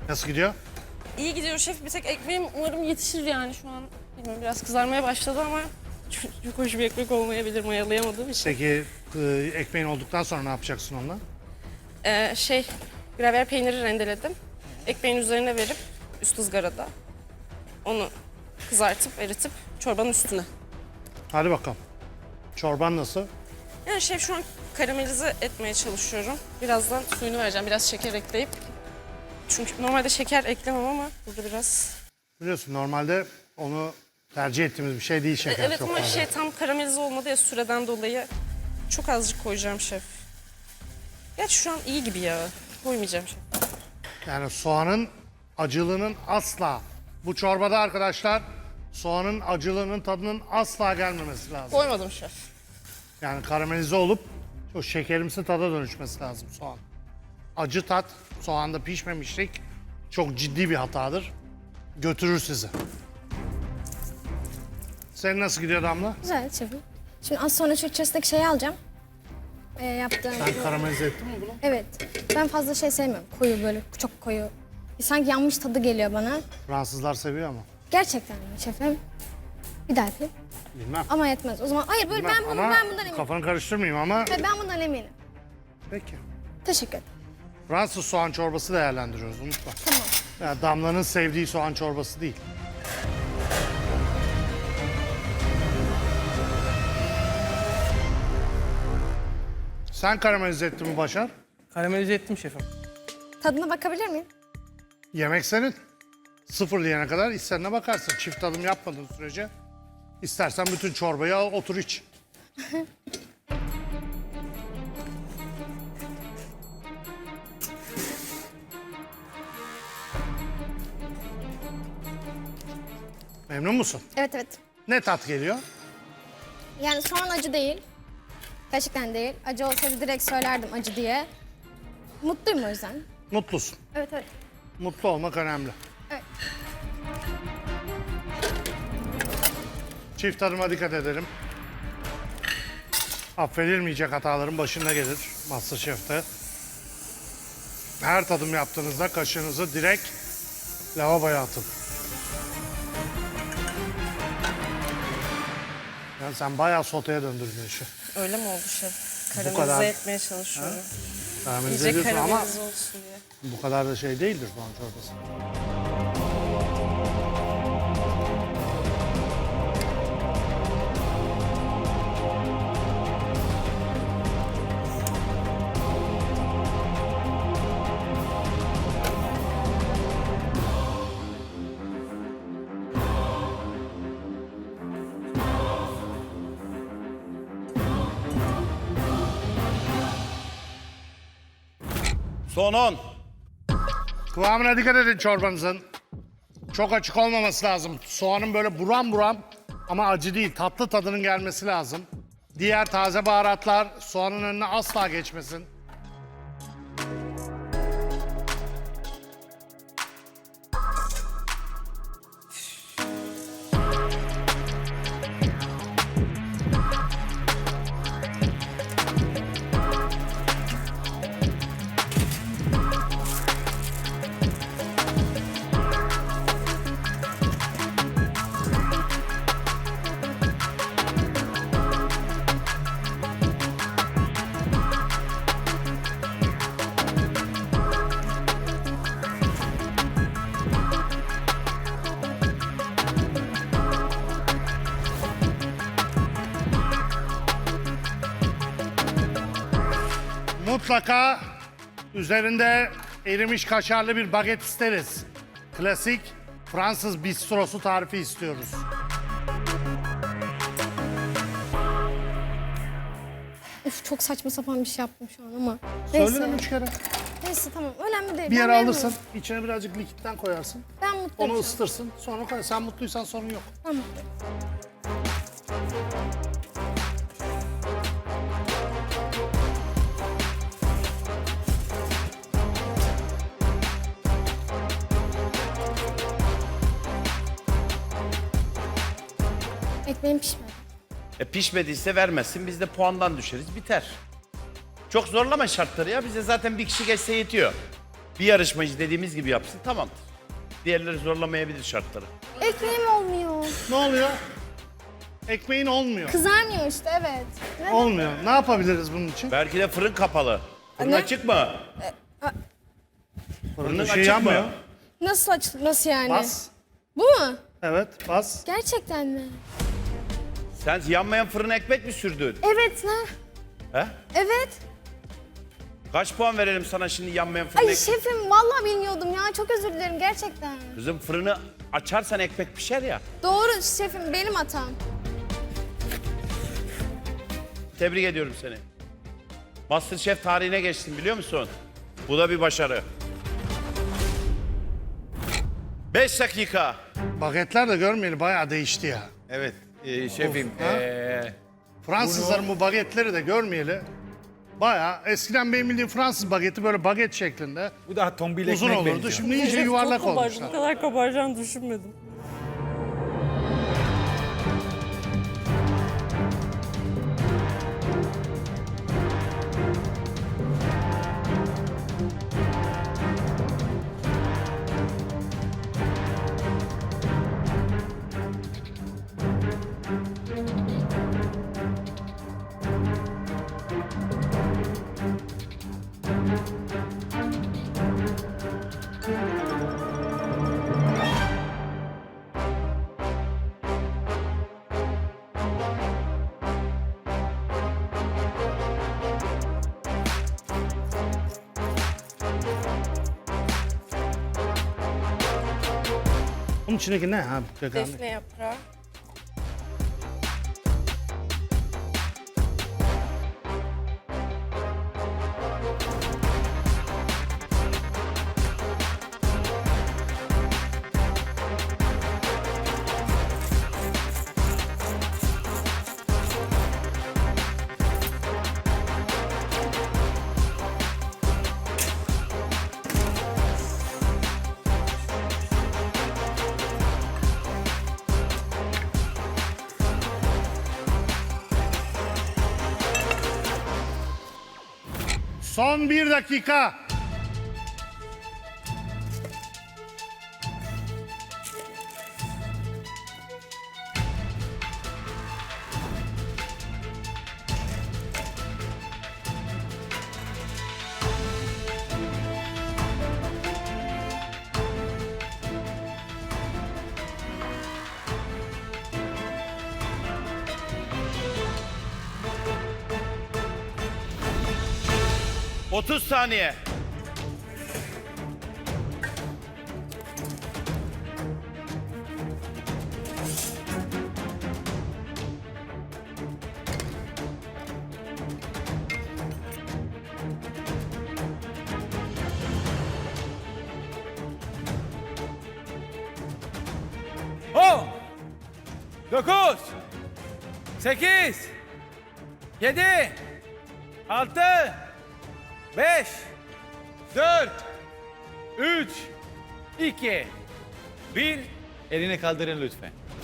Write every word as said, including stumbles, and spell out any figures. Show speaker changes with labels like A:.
A: Nasıl gidiyor?
B: İyi gidiyor şef. Bir tek ekmeğim umarım yetişir yani şu an. Bilmiyorum, biraz kızarmaya başladı ama çok, çok hoş bir ekmek olmayabilir mayalayamadığım için.
A: Peki e, ekmeğin olduktan sonra ne yapacaksın onunla?
B: Ee, şey, gravyer peyniri rendeledim. Ekmeğin üzerine verip üst ızgarada onu kızartıp eritip çorbanın üstüne.
A: Hadi bakalım. Çorban nasıl?
B: Yani şef şu an karamelize etmeye çalışıyorum. Birazdan suyunu vereceğim. Biraz şeker ekleyip. Çünkü normalde şeker eklemem ama burada biraz...
A: Biliyorsun normalde onu tercih ettiğimiz bir şey değil şeker
B: Evet
A: çok
B: ama
A: fazla.
B: şey tam karamelize olmadı ya süreden dolayı. Çok azıcık koyacağım şef. Gerçi şu an iyi gibi ya. Koymayacağım şef.
A: Yani soğanın acılığının asla, bu çorbada arkadaşlar soğanın acılığının tadının asla gelmemesi lazım.
B: Koymadım şef.
A: Yani karamelize olup o şekerimsi tada dönüşmesi lazım soğan. Acı tat, soğanda pişmemişlik çok ciddi bir hatadır. Götürür sizi. Senin nasıl gidiyor Damla?
C: Güzel şefim. Şimdi az sonra şu içerisindeki şeyi alacağım. Ee, yaptığım...
A: Sen karamelize ettin mi bunu?
C: Evet. Ben fazla şey sevmiyorum. Koyu böyle çok koyu. Sanki yanmış tadı geliyor bana.
A: Fransızlar seviyor ama.
C: Gerçekten mi şefim? Bir daha yapayım.
A: Bilmem.
C: Ama yetmez. O zaman hayır böyle
A: Bilmem.
C: ben, bunu,
A: ama
C: ben bundan eminim.
A: kafanı karıştırmayayım ama
C: Hayır, ben bundan eminim.
A: peki.
C: Teşekkür ederim.
A: Fransız soğan çorbası değerlendiriyoruz unutma.
C: Tamam.
A: Yani Damla'nın sevdiği soğan çorbası değil. Sen karamelize ettin mi Başar?
D: Karamelize ettim şefim.
C: Tadına bakabilir miyim?
A: Yemek senin. Sıfır diyene kadar istediğine bakarsın. Çift tadım yapmadığın sürece. İstersen bütün çorbayı al otur iç. Memnun musun?
C: Evet evet.
A: Ne tat geliyor?
C: Yani soğan acı değil. Gerçekten değil. Acı olsaydı direkt söylerdim acı diye. Mutluyum o yüzden.
A: Mutlusun.
C: Evet evet.
A: Mutlu olmak önemli.
C: Evet.
A: Çift tadıma dikkat edelim. Affedilmeyecek hataların başında gelir MasterChef'te. Her tadım yaptığınızda kaşığınızı direkt lavaboya atın. Yani sen bayağı soteye döndürdün işi.
B: Öyle mi oldu şef? Karamelize
A: kadar.
B: etmeye çalışıyorum.
A: Karamelize
B: İyice
A: ediyorsun ama
B: karamelize olsun diye.
A: bu kadar da şey değildir soğan çorbası.
E: Son on.
A: Kıvamına dikkat edin çorbanızın. Çok açık olmaması lazım. Soğanın böyle buram buram ama acı değil, tatlı tadının gelmesi lazım. Diğer taze baharatlar soğanın önüne asla geçmesin. Mutlaka üzerinde erimiş kaşarlı bir baget isteriz. Klasik Fransız bistrosu tarifi istiyoruz.
C: Üf, çok saçma sapan bir şey yaptım şu an ama.
A: Söyledim
C: Neyse.
A: üç kere.
C: Neyse tamam. Önemli değil.
A: Bir
C: Ben
A: yere
C: memnunum.
A: alırsın, içine birazcık likitten koyarsın.
C: Ben mutluyum.
A: Onu
C: şu an.
A: ısıtırsın, sonra koy. Sen mutluysan sorun yok.
C: Ben mutluyum. Ekmeğim pişmedi.
E: E pişmediyse vermezsin, biz de puandan düşeriz, biter. Çok zorlama şartları ya, bize zaten bir kişi geçse yetiyor. Bir yarışmacı dediğimiz gibi yapsın tamamdır. Diğerleri zorlamayabilir şartları.
C: Ekmeğim olmuyor.
A: Ne oluyor? Ekmeğin olmuyor.
C: Kızarmıyor işte evet. Ne?
A: Olmuyor. Ne yapabiliriz bunun için?
E: Belki de fırın kapalı. Fırın
C: Ne?
E: açık mı? Fırının
A: Bir şey
E: açık
A: yanmıyor.
E: mı?
C: Nasıl aç nasıl yani?
A: Bas.
C: Bu mu?
A: Evet bas.
C: Gerçekten mi?
E: Sen yanmayan fırına ekmek mi sürdün?
C: Evet ne?
E: He?
C: Evet.
E: Kaç puan verelim sana şimdi yanmayan fırına
C: Ay
E: ekmek?
C: şefim vallahi bilmiyordum ya. Çok özür dilerim gerçekten.
E: Kızım fırını açarsan ekmek pişer ya.
C: Doğru şefim benim hatam.
E: Tebrik ediyorum seni. MasterChef tarihine geçtin biliyor musun? Bu da bir başarı. Beş dakika.
A: Bagetler de görmeyeli bayağı değişti ya.
D: Evet e, şefim.
A: Of, ha?
D: e,
A: Fransızların bu bagetleri de görmeyeli bayağı. Eskiden benim bildiğim Fransız bageti böyle baget şeklinde
D: bu daha tombil
A: uzun
D: ekmek
A: olurdu.
D: benziyor.
A: Şimdi iyice yuvarlak
B: Çok kabarcı,
A: olmuşlar.
B: bu kadar kabaracağını düşünmedim.
A: Bunun içindeki ne ha? Gökhan Bey?
B: Defne yaprağı.
A: Son bir dakika.
E: otuz saniye.
D: On, dokuz, sekiz, yedi, altı, beş, dört, üç, iki, bir. Elini kaldırın lütfen.